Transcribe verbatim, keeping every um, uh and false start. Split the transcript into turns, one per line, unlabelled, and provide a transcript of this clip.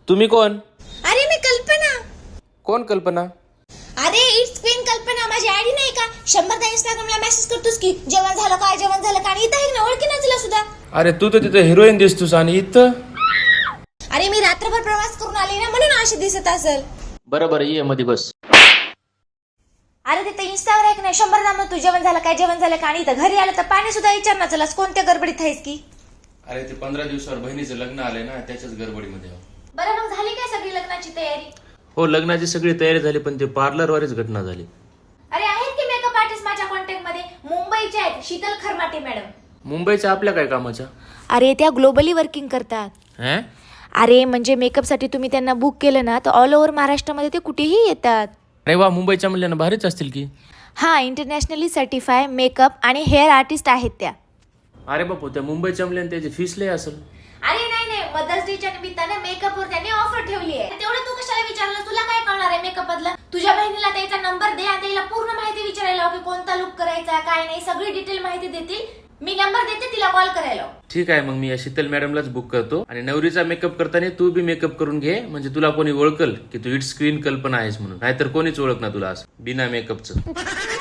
तुम्ही कोण?
अरे मी कल्पना.
कोण कल्पना?
अरे इट्स क्वीन कल्पना, माझी आयडी नाही का? शंभरदा इंस्टाग्रामला मेसेज करतोस की जेवण झालं काय जेवण झालं का, आणि इथं आहे ना, ओळखी ना तुला सुद्धा.
अरे तू तर तिथे हिरोईन दिसतोस आणि इथं.
अरे मी रात्रभर प्रवास करून आले ना, म्हणून अशी दिसत असेल.
बरं बरं ये मध्ये बस.
अरे तिथं इंस्टावर आहे ना, शंभरदा मग तू जेवण झालं काय जेवण झालं का, आणि इथं घरी आलं तर पाणी सुद्धा विचार ना चलास, कोणत्या गडबडीत आहेस की.
अरे ते पंधरा दिवसावर बहिणीचं लग्न आलंय ना, त्याच्याच गडबडीमध्ये.
बरं मग झाली काय सगळी लग्नाची तयारी?
हो लग्नाची सगळी तयारी झाली, पण ते पार्लर वारीच घटना झाली.
अरे आहेत की मेकअप आर्टिस्ट माझ्या कॉन्टॅक्ट मध्ये, मुंबईचे आहेत, शीतल खरमाटे मॅडम.
मुंबईच्या आपल्या काय कामाच्या?
अरे त्या ग्लोबली वर्किंग करतात.
हं?
अरे म्हणजे मेकअपसाठी तुम्ही त्यांना बुक केलं ना तर ऑल ओव्हर महाराष्ट्रामध्ये ते कुठेही येतात.
अरे वा, मुंबईच्या म्हणल्यानं भारीच असतील की.
हा, इंटरनॅशनली सर्टिफाय मेकअप आणि हेअर आर्टिस्ट आहेत त्या.
अरे बापू, त्या मुंबईच्या म्हणल्यानं त्याची फीस लय असेल.
अरे नाही नाही, मदर्स डेच्या निमित्ताने मेकअपवर त्यांनी ऑफर ठेवली आहे. तेवढं तू कशाला विचारलं, तुला काय कळणार आहे मेकअप बद्दल? तुझ्या बहिणीला त्याचा नंबर दे आणि तिला पूर्ण माहिती विचारायला लाव की कोणता लुक करायचा काय नाही, सगळी डिटेल माहिती देतील. मी नंबर देते, तिला कॉल करायला.
ठीक आहे, मग मी या शीतल मॅडमलाच बुक करतो, आणि नवरीचा मेकअप करताना तू बी मेकअप करून घे, म्हणजे तुला कोणी ओळखल की तू इट्स क्वीन कल्पना आहेस म्हणून, नाहीतर कोणीच ओळख ना तुला असं बिना मेकअपचं.